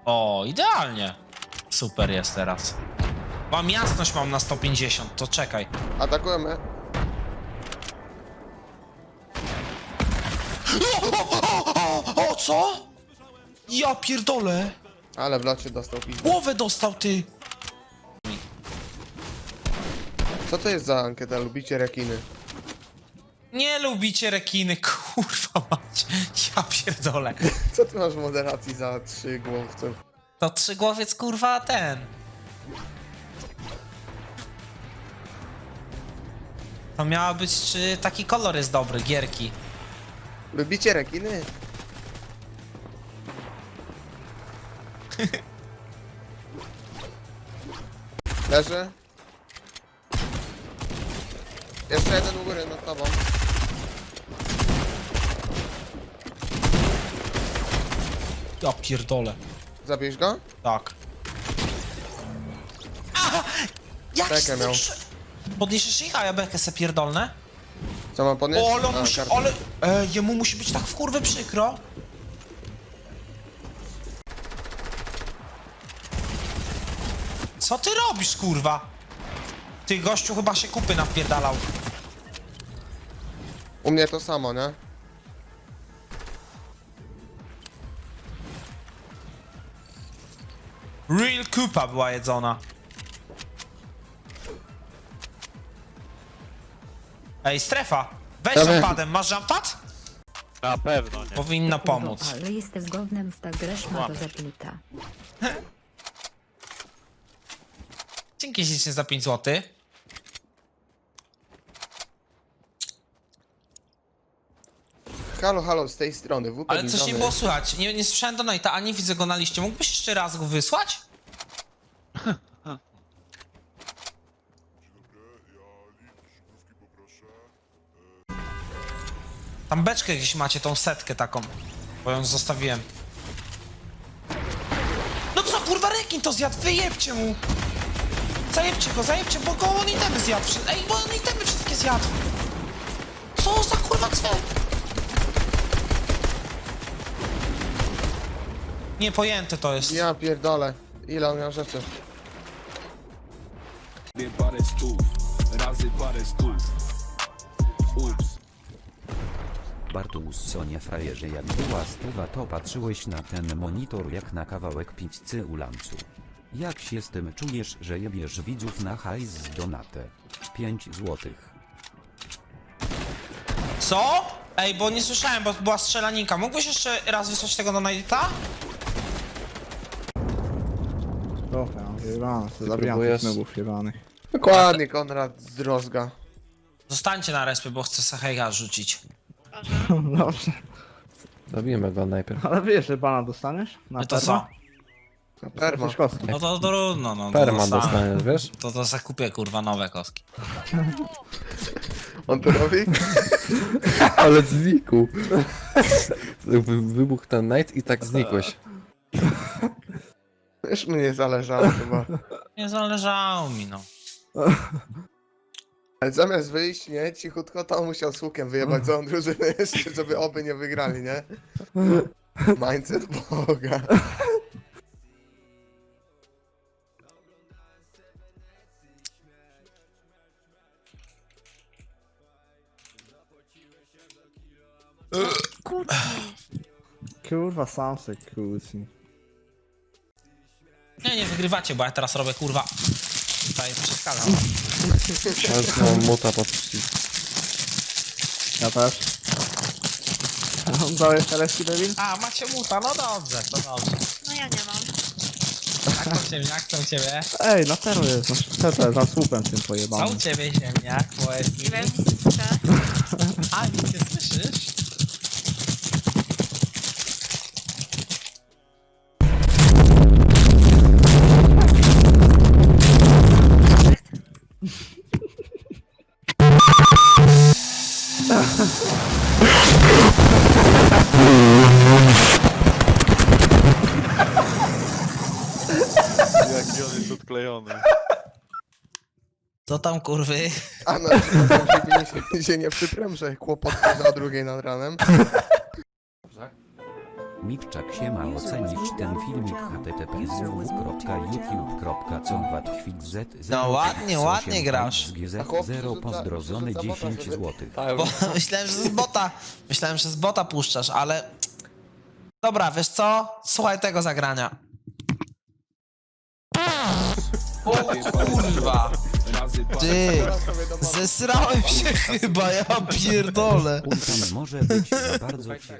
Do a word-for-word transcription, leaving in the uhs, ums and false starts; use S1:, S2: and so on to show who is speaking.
S1: O, idealnie. Super jest teraz. Mam jasność, mam na sto pięćdziesiąt, to czekaj.
S2: Atakujemy.
S1: O, o, o, o co? Ja pierdolę.
S2: Ale w locie dostał pizdę.
S1: Głowę dostał, ty.
S2: Co to jest za ankieta? Lubicie rekiny?
S1: Nie lubicie rekiny, kurwa mać. Ja pierdolę.
S2: Co ty masz w moderacji za trzy głowce?
S1: To trzygłowiec, kurwa, ten. To miała być, czy taki kolor jest dobry, gierki.
S2: Lubicie rekiny? Leży. Jeszcze jeden u góry nad tobą.
S1: Ja pierdolę.
S2: Zabierz go?
S1: Tak. Aha! Jak
S2: Bekę
S1: się
S2: miał.
S1: zniszczy- Podniesiesz ich, a ja bekę se pierdolnę?
S2: Co mam podnieść?
S1: O, ale on
S2: A,
S1: musi,
S2: kartę.
S1: ale... E, jemu musi być tak w kurwę przykro. Co ty robisz, kurwa? Ty, gościu chyba się kupy napierdalał.
S2: U mnie to samo, nie?
S1: Real kupa była jedzona. Ej, strefa! Weź
S2: Dobra.
S1: jumpadem, masz jumpad?
S3: Na pewno nie.
S1: Powinna pomóc.
S4: Ale jesteś zgodnym z tak greszma do zaplita.
S1: Dzięki ślicznie za pięć złotych.
S2: Halo, halo, z tej strony. W P
S1: Ale coś nie
S2: Bizony.
S1: było słychać. Nie, nie słyszałem donate'a, ani widzę go na liście. Mógłbyś jeszcze raz go wysłać? Tam beczkę gdzieś macie, tą setkę taką. Bo ją zostawiłem. No co, kurwa, rekin to zjadł, wyjebcie mu! Zajebcie go, zajebcie, bo go on itemy zjadł. wszy- Ej, bo on itemy wszystkie zjadł. Co za kurwa cel? Niepojęte to jest.
S2: Ja pierdolę. Ile on miał rzeczy?
S5: Dwie parę stów, razy parę stów. Ups.
S6: Bartusz, nie frajerze, jak była stuwa, to patrzyłeś na ten monitor jak na kawałek pizzy u lancu. Jak się z tym czujesz, że jebiesz widzów na hajs z donatę? pięć złotych.
S1: Co? Ej, bo nie słyszałem, bo była strzelaninka. Mógłbyś jeszcze raz wysłać tego do Nate'a?
S7: Dobra, jebane, to zabijam tych nubów jebanych.
S2: Dokładnie, Konrad z Rozga.
S1: Zostańcie na respie, bo chcę Sahega rzucić.
S7: Dobrze.
S8: Zabijmy go najpierw.
S7: Ale wiesz, że bana dostaniesz? Na
S1: No to
S7: perma?
S1: co?
S2: Perma.
S7: Jesteś kostką.
S1: No to trudno, no.
S8: Perma
S1: to dostanę.
S8: dostaniesz, wiesz?
S1: To to zakupię, kurwa, nowe kostki.
S2: On to robi?
S8: Ale znikł. Wy- Wybuchł ten night i tak znikłeś.
S2: Już mnie zależało chyba.
S1: Nie zależało mi, no.
S2: Ale zamiast wyjść, nie, cichutko, to on musiał z łukiem wyjebać całą drużynę jeszcze, żeby oby nie wygrali, nie? Mindset Boga.
S7: Kurwa, sam se kłóci.
S1: Nie, nie wygrywacie, bo ja teraz robię, kurwa. Tutaj przeszkadzam.
S8: Ale mam muta pod przycisk.
S7: Ja też. On dał jeszcze reszki debil?
S1: A, macie muta, no dobrze, to dobrze.
S9: No ja nie mam.
S1: Jak to ziemniak, co u ciebie?
S7: Ej, na tero jest, no co za słupem tym
S1: Co
S7: pojebanym.
S1: u ciebie ziemniak, poeski?
S9: Nie wiem, nic nie słyszę.
S1: A, nic nie słyszysz?
S3: Jaki on jest odklejony.
S1: Co tam, kurwy?
S2: A na przykład się, się nie przyprem, że kłopot za o drugiej nad ranem.
S6: Mikszak się ma ocenić ten filmik h t t p znowu kropka youtube kropka comwatkwit z
S1: No ładnie, ładnie grasz.
S6: Z zero pozdrożony dziesięć złotych.
S1: Bo myślałem, że z bota. Myślałem, że z bota puszczasz, ale... Dobra, wiesz co? Słuchaj tego zagrania. O kurwa!
S5: Razy parę
S1: Ty!
S2: Teraz sobie do mamy.
S1: Zesrałem się chyba, ja pierdolę.
S6: Ulkan może być za bardzo